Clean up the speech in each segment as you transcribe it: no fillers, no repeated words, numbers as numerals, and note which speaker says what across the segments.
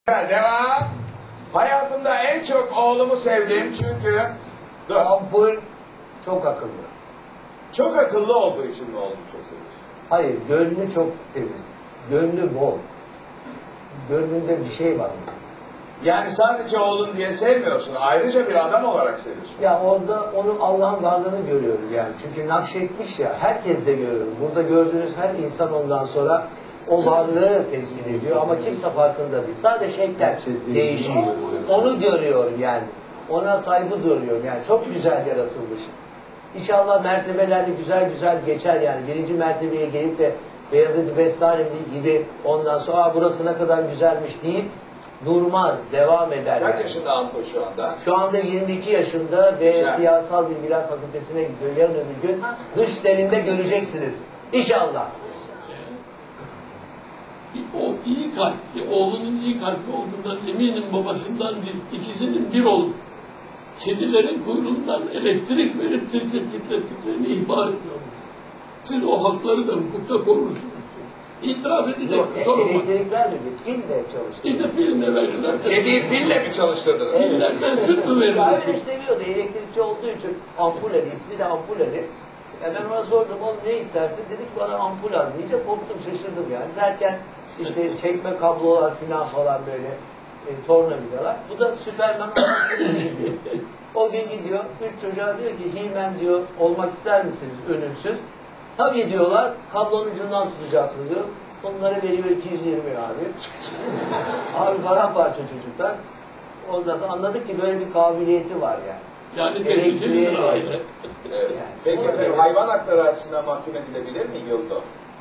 Speaker 1: Devam. Hayatımda en çok oğlumu sevdim çünkü
Speaker 2: Ampul çok akıllı.
Speaker 1: çok akıllı olduğu için mi oğlumu çok seviyorsun?
Speaker 2: Hayır, gönlü çok temiz. Gönlü bol. Gönlünde bir şey var.
Speaker 1: Yani sadece oğlun diye sevmiyorsun, ayrıca bir adam olarak seviyorsun.
Speaker 2: Ya orada onun Allah'ın varlığını görüyoruz yani. Çünkü nakşetmiş ya, herkes de görüyor. Burada gördüğünüz her insan ondan sonra o varlığı temsil ediyor ama kimse farkında değil. Sadece şekler değişiyor. Onu görüyor yani. Ona saygı duyuyor yani. Çok güzel yaratılmış. İnşallah mertebelerle güzel güzel geçer yani. Birinci mertebeye gelip de Beyazıt Bestami gibi ondan sonra burası ne kadar güzelmiş deyip durmaz, devam eder.
Speaker 1: Kaç
Speaker 2: yani.
Speaker 1: yaşında Ampul şu anda?
Speaker 2: Şu anda 22 yaşında ve
Speaker 1: Güzel.
Speaker 2: Siyasal Bilgiler Fakültesine gidiyor. Yarın öbür gün dış serinde göreceksiniz. İnşallah.
Speaker 3: O iyi kalpli, oğlunun iyi kalpli olduğundan eminim babasından değil, ikisinin bir olup kedilerin kuyruğundan elektrik verip titrettiklerini ihbar ediyorlar. Siz o hakları da hukukta korursunuz. İtiraf edecek
Speaker 2: Yok,
Speaker 3: bir sorun var.
Speaker 2: elektrik vermedik. Pille çalıştı.
Speaker 3: İşte piline verirlerse
Speaker 1: Kediyi pille mi çalıştırdınız?
Speaker 3: pillerden süt mü
Speaker 2: Ya
Speaker 3: verir?
Speaker 2: öyle seviyordu. Elektrikçi olduğu için ampul Ali, ismi de ampul Ali. Ben ona sordum, oğlum ne istersin? Dedik bana ampul al deyince korktum, şaşırdım yani. Derken işte çekme kablolar falan böyle tornavidalar. Bu da Süperman diyor. O gün gidiyor, üç çocuğa diyor ki He-Man diyor, olmak ister misiniz ölümsüz? Tabii diyorlar, kablonun ucundan tutacaksın diyor. Onları veriyor 220 abi. Abi paramparça çocuklar. Ondan sonra anladık ki böyle bir kabiliyeti var yani.
Speaker 3: Yani
Speaker 2: Elektriğe
Speaker 3: tehlikelidir aile.
Speaker 1: Evet. Peki efendim, hayvan hakları açısından mahkum edilebilir mi Yıldız?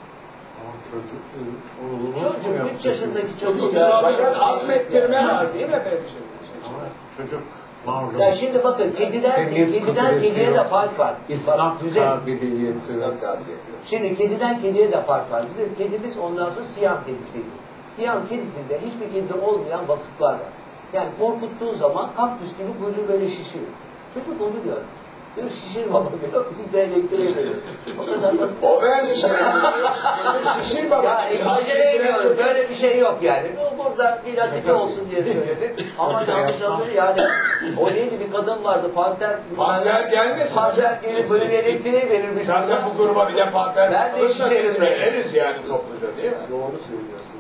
Speaker 2: Çocuk 3 yaşındaki çocuk
Speaker 3: Çocuk
Speaker 2: ya.
Speaker 3: ya.
Speaker 1: Fakat azmettirme var değil mi efendim?
Speaker 4: Çocuk mağlup.
Speaker 2: Ya şimdi bakın kediden kediye de fark var.
Speaker 4: İslam
Speaker 2: Bak, güzel.
Speaker 4: kabiliyeti.
Speaker 1: İslam kabiliyeti.
Speaker 2: Şimdi kediden kediye de fark var. Bizim kedimiz ondan sonra siyah kedisiydi. Siyah kedisinde hiçbir kedide olmayan vasıflar var. Yani korkuttuğu zaman kaktüs gibi kuyruğu böyle şişiyor. Çocuk onu gör. Diyor şişir baba diyor. Biz de elektriğe veriyoruz. O kadar basit.
Speaker 1: O öyle şey. Şişir baba.
Speaker 2: Ya exagere ediyorum. Böyle bir şey yok yani. Bu burada bir latife olsun diye söyledik. Ama yanlış anlıyor yani. O neydi bir kadın vardı. Panter.
Speaker 1: Panter gelmesin.
Speaker 2: Panter gelip böyle bir elektriğe verirmiş.
Speaker 1: Zaten bu gruba bir de panter
Speaker 2: Ben de
Speaker 1: alırsak biz
Speaker 2: şişerim.
Speaker 1: veririz yani topluca değil mi?
Speaker 2: Doğru söylüyorsun.